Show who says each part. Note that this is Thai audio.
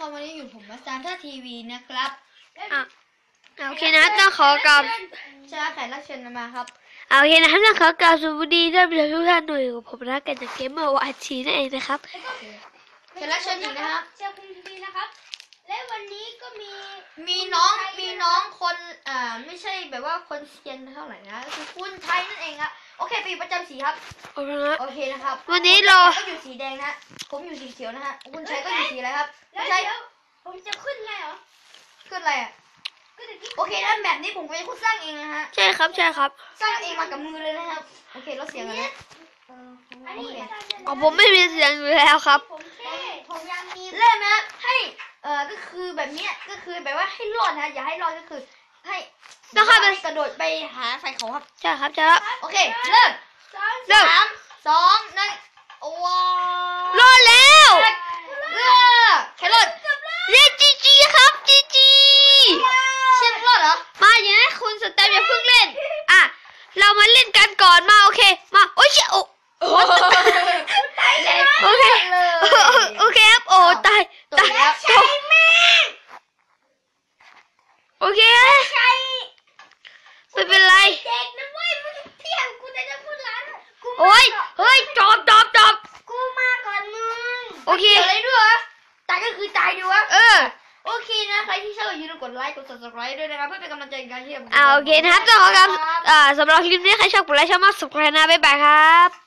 Speaker 1: ครับวันนี้อยู่ผมมาซานท่าทีวีนะครับ
Speaker 2: โอเคนะต้องขอกราบ
Speaker 1: เชิญแขกรับเชิญมาครับ
Speaker 2: โอเคนะต้องขอกราบสวัสดีท่านผู้ชมทุกท่านหน่วยของผมนะกันจากเกมเมอร์วันชีนั่นเองนะครับ
Speaker 1: แขกรับเชิญอีกนะครับ
Speaker 3: เชิญคุณทีนะครับและวันนี้ก็
Speaker 1: มีน้องคนไม่ใช่แบบว่าคนเซียนเท่าไหร่นะคือคุณไทยนั่นเองครับโอเคปีประจำสีครับโอเคนะครับ
Speaker 2: วันนี้เรา
Speaker 1: ก็อยู่สีแดงนะผมอยู่สีเขียวนะฮะคุณชัยก็อยู่สีอะไรครับ
Speaker 3: ใช่ผมจะขึ้นไงเหรอ
Speaker 1: ขึ้นอะไรอ่ะโอเคนะแบบนี้ผมเป็นคนสร้างเองนะฮะ
Speaker 2: ใช่ครับ
Speaker 1: สร้างเองมากับมือเลยนะครับโอเคเราเสียงกันนะ
Speaker 2: ผมไม่มีเสียงอยู่แล้วครับ
Speaker 3: ผมยังมี
Speaker 1: เริ่มนะให้ก็คือแบบนี้ก็คือแบบว่าให้รอดนะอย่าให้รอดก็คือให้
Speaker 2: ต้องให้
Speaker 1: กระโดดไปหาไฟเขาครับ
Speaker 2: ใช่ครับใช่ครับ
Speaker 1: โอเคเริ่ม3 2 1ว้าว
Speaker 2: รอดแล้ว
Speaker 1: แค่รอด
Speaker 2: เรียกจีครับจี
Speaker 1: เชื่อรอดเหรอ
Speaker 2: มาอย่างนี้คุณสแตมอย่าเพิ่งเล่นเรามาเล่นกันก่อนมาโอเคมาโอ้ยโอเคครับโอ้ตายโอเคไม่เป็นไร
Speaker 3: เด็กนะเว้ยมึงเที่ยงกูจะพูดร้าน
Speaker 2: โอ้ยเฮ้ยจบ
Speaker 3: กูมาก่อนมึง
Speaker 2: โอเค
Speaker 1: อะไรด้วยตายก็คือตายดีวะโอเคนะใครที่ชอบอย่าลืมกดไลค์กด subscribe ด้วยนะครับเพื่อเป็นกำลังใจในการที่จะ
Speaker 2: โอเคนะครับต้องขอครับสำหรับคลิปนี้ใครชอบกดไลค์ชอบมาก subscribe นะบ๊ายบายครับ